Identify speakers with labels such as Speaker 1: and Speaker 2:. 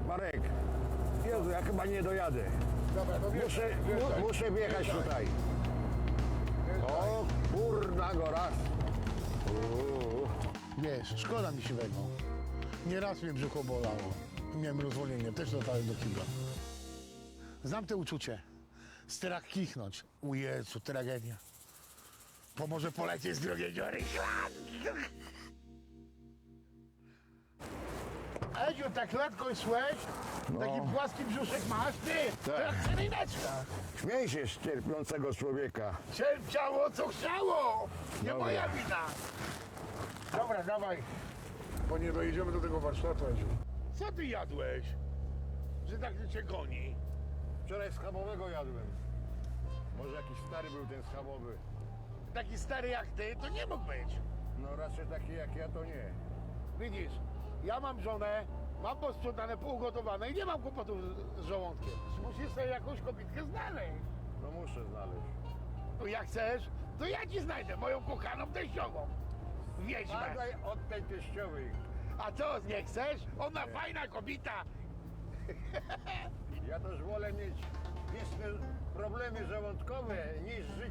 Speaker 1: Marek, Jezu, ja chyba nie dojadę.
Speaker 2: Dobra, to
Speaker 1: Muszę wjechać tutaj. O, kurna gora.
Speaker 2: Wiesz, szkoda mi siwego. Nieraz mnie brzucho bolało. Miałem rozwolnienie, też dotarłem do kibla. Znam te uczucie. Strach kichnąć. U Jezu, tragedia. Pomoże polecieć z drugiej dziury. Edziu, tak latko szłeś? Taki płaski brzuszek masz? Ty! To jak seryjneczka.
Speaker 1: Śmiej się z cierpiącego człowieka.
Speaker 2: Cierpiało co chciało! Nie
Speaker 1: Dobra.
Speaker 2: moja wina! Dobra, dawaj. Bo nie dojedziemy do tego warsztatu, Edziu. Co ty jadłeś? Że tak cię goni?
Speaker 1: Wczoraj schabowego jadłem. Może jakiś stary był ten schabowy.
Speaker 2: Taki stary jak ty, to nie mógł być.
Speaker 1: No raczej taki jak ja to nie.
Speaker 2: Widzisz, ja mam żonę, mam posprzątane, półgotowane i nie mam kłopotów z żołądkiem. Musisz sobie jakąś kobietkę znaleźć.
Speaker 1: No muszę znaleźć.
Speaker 2: No jak chcesz, to ja ci znajdę moją kochaną teściową. Wiedźmę.
Speaker 1: Badaj od tej teściowej.
Speaker 2: A co, nie chcesz? Ona fajna kobieta.
Speaker 1: Ja też wolę mieć wieczne problemy żołądkowe niż żyć